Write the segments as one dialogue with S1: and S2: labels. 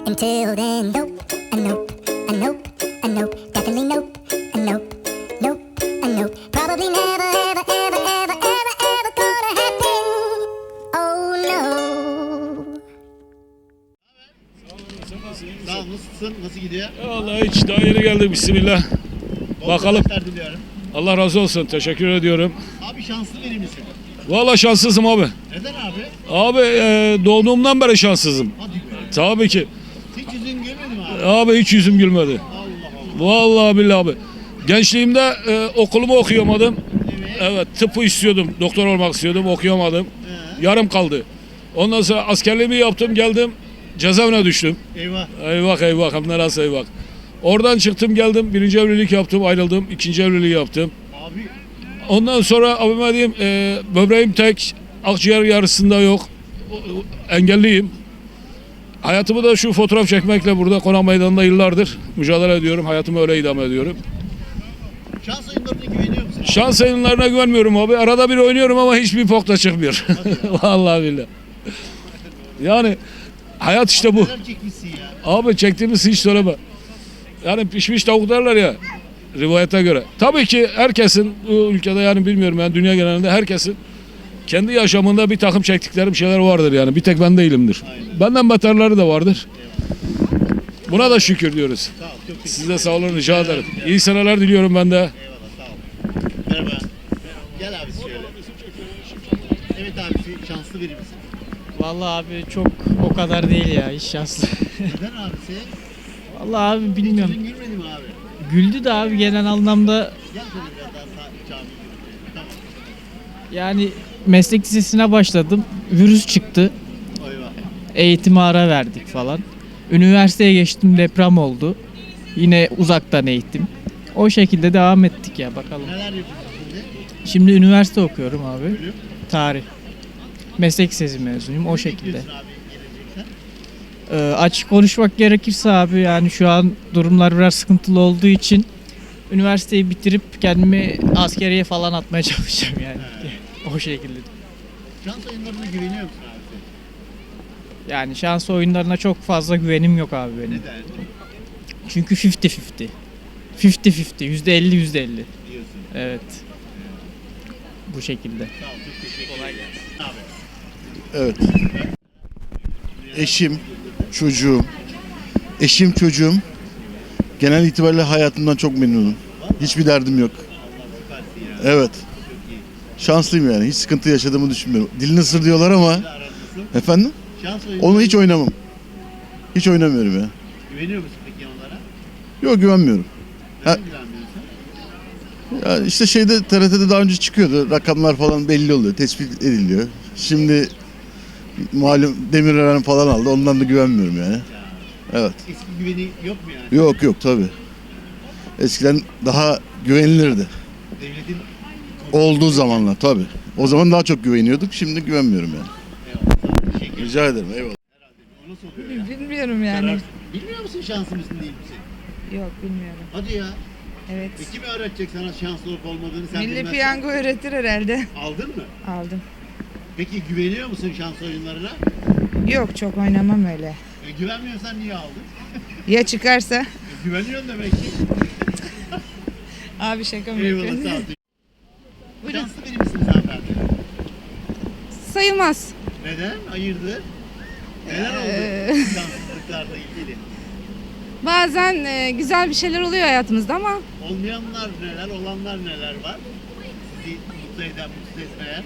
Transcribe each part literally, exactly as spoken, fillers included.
S1: Until then, nope, a nope, a nope, a nope, definitely nope, a nope, nope, a nope. Probably never, ever, ever, ever, ever, ever gonna happen. Oh no.
S2: Sağ ol, nasılsın? Nasıl gidiyor?
S3: Vallahi hiç daha yeni geldik, bismillah.
S2: Bol
S3: Bakalım.
S2: kazançlar diliyorum.
S3: Allah razı olsun, teşekkür ediyorum.
S2: Abi şanslı biri misin?
S3: Vallahi şanssızım abi.
S2: Neden abi?
S3: Abi e, doğduğumdan beri şanssızım.
S2: Hadi be.
S3: Tabii ki.
S2: Hiç yüzün gülmedi mi abi?
S3: Abi hiç yüzüm gülmedi.
S2: Allah Allah.
S3: Vallahi billahi abi. Gençliğimde e, okulumu okuyamadım. Evet, tıbbı istiyordum, doktor olmak istiyordum, okuyamadım.
S2: Ee?
S3: Yarım kaldı. Ondan sonra askerliğimi yaptım, geldim, cezaevine düştüm.
S2: Eyvah.
S3: Eyvah eyvah, hem de nasıl eyvah. Oradan çıktım geldim, birinci evlilik yaptım, ayrıldım, ikinci evliliği yaptım.
S2: Abi
S3: Ondan sonra abime diyeyim, e, böbreğim tek, akciğer yarısında yok, engelliyim. Hayatımı da şu fotoğraf çekmekle burada Konak Meydanı'nda yıllardır mücadele ediyorum, hayatımı öyle idame ediyorum.
S2: şans oyunlarına güveniyor musun abi?
S3: Şans oyunlarına güvenmiyorum abi, arada bir oynuyorum ama hiçbir pokta çıkmıyor. Vallahi billahi. Yani hayat işte bu.
S2: Neler çekmişsin ya?
S3: Abi çektiğimiz hiç söyleme. Yani pişmiş tavuk derler ya, rivayete göre. Tabii ki herkesin bu ülkede, yani bilmiyorum, yani dünya genelinde herkesin kendi yaşamında bir takım çektikleri bir şeyler vardır yani. Bir tek ben değilimdir.
S2: Aynen.
S3: Benden beterleri de vardır. Buna da şükür diyoruz.
S2: Sağ ol. Çok teşekkür
S3: Siz de sağ olun, rica ederim. İyi seneler diliyorum ben de.
S2: Eyvallah, sağ ol. Merhaba. Gel abi şöyle. Evet abi, şanslı biri misin?
S4: Vallahi abi çok o kadar değil ya, hiç şanslı.
S2: Neden abisi?
S4: Vallahi abi bilmiyorum.
S2: Hiç yüzün gülmedi mi abi?
S4: Güldü de abi genel anlamda,
S2: Gel şöyle biraz daha sağ cami yürü. Tamam.
S4: yani meslek lisesine başladım. Virüs çıktı.
S2: Eyvah.
S4: Eğitime ara verdik falan. Üniversiteye geçtim, deprem oldu. Yine uzaktan eğitim. O şekilde devam ettik ya, bakalım.
S2: Neler yapıyorsun şimdi?
S4: Şimdi üniversite okuyorum abi.
S2: Bölüm.
S4: Tarih. Meslek lisesi mezunuyum o
S2: Ne
S4: şekilde.
S2: bekliyorsun abi gelecekten?
S4: Ee, açık konuşmak gerekirse abi, yani şu an durumlar biraz sıkıntılı olduğu için üniversiteyi bitirip kendimi askeriye falan atmaya çalışacağım yani. O şekilde.
S2: Şans oyunlarına güveniyor musun abi?
S4: Yani şans oyunlarına çok fazla güvenim yok abi benim.
S2: Neden?
S4: Çünkü elli elli. elli elli. yüzde elli yüzde elli.
S2: Diyorsun.
S4: Evet. Bu şekilde.
S2: Sağ ol, çok teşekkür ederim. Abi.
S5: Evet. Eşim, çocuğum, eşim, çocuğum genel itibariyle hayatımdan çok memnunum. Hiçbir derdim yok. Evet. Şanslıyım yani. Hiç sıkıntı yaşadığımı düşünmüyorum. Dilini ısır diyorlar ama
S2: Aranızı.
S5: efendim
S2: Şans oyunları.
S5: onu hiç oynamam. Hiç oynamıyorum ya.
S2: Güveniyor musun peki onlara?
S5: Yok, güvenmiyorum.
S2: Neden
S5: Ha.
S2: güvenmiyorsun?
S5: Ya işte şeyde T R T'de daha önce çıkıyordu. Rakamlar falan belli oluyor. Tespit ediliyor. Şimdi malum Demirören falan aldı. Ondan da güvenmiyorum yani. Evet.
S2: Eski güveni yok mu yani?
S5: Yok yok tabii. Eskiden daha güvenilirdi.
S2: Devletin
S5: Olduğu zamanlar tabii. O zaman daha çok güveniyorduk. Şimdi güvenmiyorum yani.
S2: eyvallah. Teşekkür ederim.
S5: Rica ederim. Eyvallah.
S2: O nasıl oluyor ya?
S6: Bilmiyorum yani.
S2: Karar- Bilmiyor musun şanslı mısın değil misin?
S6: Yok bilmiyorum.
S2: Hadi ya.
S6: Evet.
S2: E kim öğretecek sana şanslı olup olmadığını sen
S6: Milli
S2: bilmezsen?
S6: piyango öğretir herhalde.
S2: Aldın mı?
S6: Aldım.
S2: Peki güveniyor musun şans oyunlarına?
S6: Yok çok oynamam öyle.
S2: E, güvenmiyorsan niye aldın?
S6: Ya çıkarsa?
S2: E, güveniyorsun demek ki.
S6: Abi şaka mı
S2: Eyvallah,
S6: yapıyorsun?
S2: sağ ol. Şanslı biri misiniz hanımefendi?
S6: Sayılmaz.
S2: Neden? Hayırdır? Neler oldu
S6: Ee,
S2: şanssızlıklarla ilgili?
S6: Bazen e, güzel bir şeyler oluyor hayatımızda ama
S2: Olmayanlar neler, olanlar neler var? Sizi mutlu eden, mutsuz etmeyen?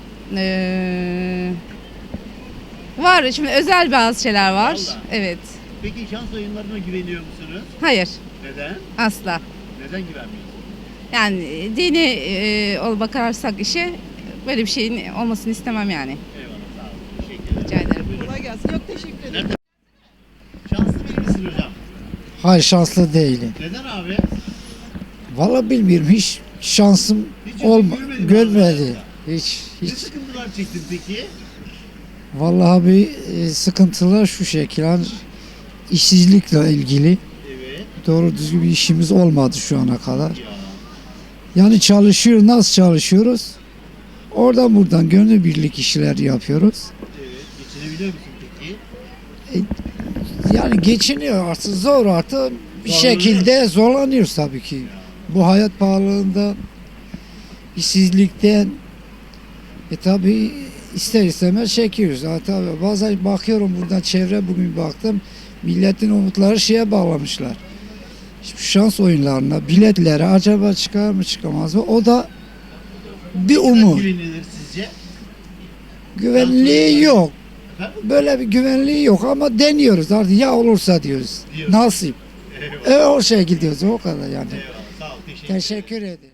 S6: e, var. Şimdi özel bazı şeyler var.
S2: Vallahi.
S6: Evet.
S2: Peki şans oyunlarına güveniyor musunuz?
S6: Hayır.
S2: Neden?
S6: Asla.
S2: Neden güvenmiyorsunuz?
S6: Yani dini e, ol bakarsak işe böyle bir şeyin olmasını istemem yani.
S2: Eyvallah, sağ olun. Teşekkür ederim.
S6: Rica ederim.
S2: Kolay gelsin. Çok teşekkür ederim. Şanslı biri misin hocam?
S7: Hayır, şanslı değilim.
S2: Neden abi?
S7: Vallahi bilmiyorum, hiç şansım
S2: Hiç yüzün
S7: olma
S2: gülmedi mi
S7: görmedi.
S2: abi?
S7: Hiç
S2: Ne
S7: hiç.
S2: sıkıntılar çektin peki?
S7: Vallahi bir e, sıkıntılar şu şekil, hani işsizlikle ilgili
S2: Evet.
S7: doğru düzgün bir işimiz olmadı şu ana kadar.
S2: Ya.
S7: Yani çalışıyor, nasıl çalışıyoruz? Oradan buradan gönüllü birlik işler yapıyoruz.
S2: Evet. Geçinebiliyor musun peki?
S7: Yani geçiniyor artık zor artık bir
S2: Zorlanıyor.
S7: şekilde zorlanıyoruz tabii ki. Bu hayat pahalılığından, işsizlikten e tabii ister istemez çekiyoruz. Ha, tabii bazen bakıyorum buradan çevre bugün baktım milletin umutları şeye bağlamışlar. Şu şans oyunlarına, biletlere acaba çıkar mı çıkamaz mı? O da bir umut.
S2: Güvenilir sizce?
S7: Güvenliği yok.
S2: Efendim?
S7: Böyle bir güvenliği yok ama deniyoruz artık ya olursa diyoruz.
S2: Diyoruz.
S7: Nasip.
S2: Eyvallah.
S7: E o şekilde diyoruz o kadar yani.
S2: Eyvallah. Sağ ol. Teşekkür ederim.
S7: Teşekkür ederim.